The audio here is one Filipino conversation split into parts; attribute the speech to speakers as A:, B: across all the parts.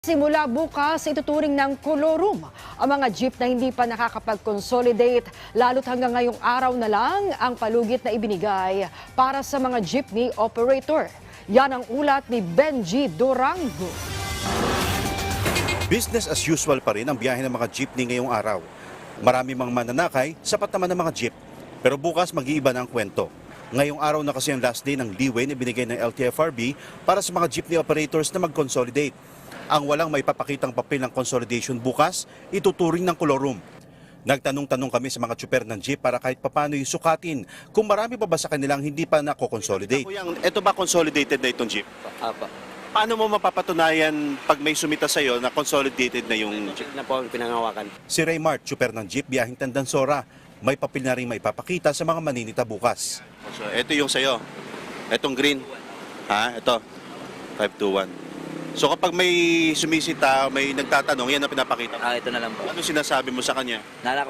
A: Simula bukas, ituturing ng kolorum ang mga jeep na hindi pa nakakapag-consolidate, lalo't hanggang ngayong araw na lang ang palugit na ibinigay para sa mga jeepney operator. Yan ang ulat ni Benji Durango.
B: Business as usual pa rin ang biyahe ng mga jeepney ngayong araw. Marami mang mananakay, sapat naman ng mga jeep. Pero bukas mag-iiba na ang kwento. Ngayong araw na kasi ang last day ng leeway na binigay ng LTFRB para sa mga jeepney operators na mag-consolidate. Ang walang may papakitang papel ng consolidation bukas, ituturing ng kolorum. Nagtanong-tanong kami sa mga tsuper ng jeep para kahit papano sukatin kung marami pa ba sa kanilang hindi pa nako-consolidate. Ito ba consolidated na itong jeep?
C: Apa.
B: Paano mo mapapatunayan pag may sumita sa'yo na consolidated na yung jeep?
C: Na po ang pinangawakan.
B: Si Raymart, tsuper ng jeep biyahing Tandansora, may papel na rin may papakita sa mga maninita bukas. So, ito yung sa'yo. Itong green. Ito. 521. So kapag may sumisita, may nagtatanong, yan ang pinapakita.
C: Ito na lang po.
B: Ano sinasabi mo sa kanya?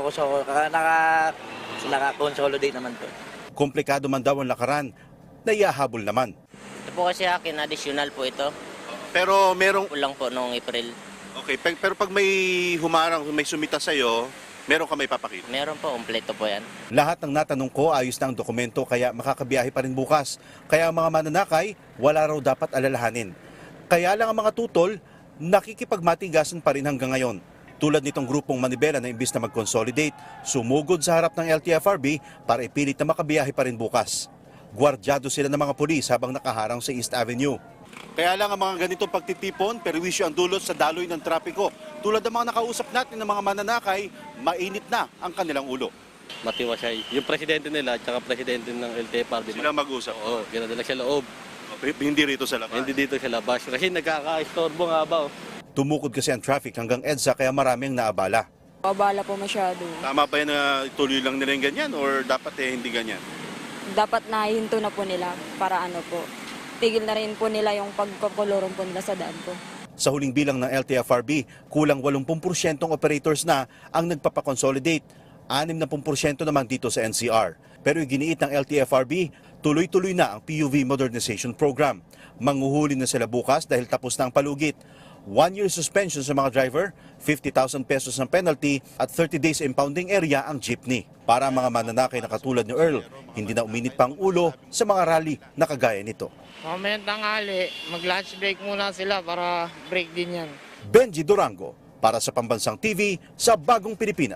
C: Naka-consolidate naman po.
B: Komplikado man daw ang lakaran, naiahabol naman.
D: Ito po kasi akin, additional po ito.
B: Pero merong...
D: Kulang po noong April.
B: Okay, pero pag may humarang, may sumita sa'yo, meron ka may papakita?
D: Meron po, kompleto po yan.
B: Lahat ng natanong ko ayos na ang dokumento kaya makakabiyahe pa rin bukas. Kaya ang mga mananakay, wala raw dapat alalahanin. Kaya lang ang mga tutol, nakikipagmatigasan pa rin hanggang ngayon. Tulad nitong grupong Manibela na imbis na mag-consolidate, sumugod sa harap ng LTFRB para ipilit na makabiyahe pa rin bukas. Gwardyado sila ng mga pulis habang nakaharang sa East Avenue. Kaya lang ang mga ganitong pagtitipon, perwisyo ang dulot sa daloy ng trapiko. Tulad ng mga nakausap natin ng mga mananakay, mainit na ang kanilang ulo.
E: Matiwasay. Yung presidente nila at saka presidente ng LTFRB.
B: Sila mag-usap.
E: Oo, ginadala sa loob.
B: Hindi rito sa labas.
E: Hindi dito sa labas. Kasi nagkaka-istorbo nga ba.
B: Tumukod kasi ang traffic hanggang EDSA kaya marami ang naabala.
F: Abala po masyado.
B: Tama ba yan na tuloy lang nila yung ganyan or dapat hindi ganyan?
F: Dapat nahinto na po nila para ano po. Tigil na rin po nila yung pagkakolorum po nila sa daan po.
B: Sa huling bilang ng LTFRB, kulang 80% ng operators na ang nagpapakonsolidate. 60% naman dito sa NCR. Pero iginiit ng LTFRB, tuloy-tuloy na ang PUV Modernization Program. Manghuhuli na sila bukas dahil tapos na ang palugit. 1-year suspension sa mga driver, 50,000 pesos ng penalty at 30 days impounding area ang jeepney. Para ang mga mananakay na katulad ni Earl, hindi na uminit pa ang ulo sa mga rally na kagaya nito.
G: Mamaya tanghali, mag-lunch break muna sila para break din yan.
B: Benji Durango, para sa Pambansang TV sa Bagong Pilipinas.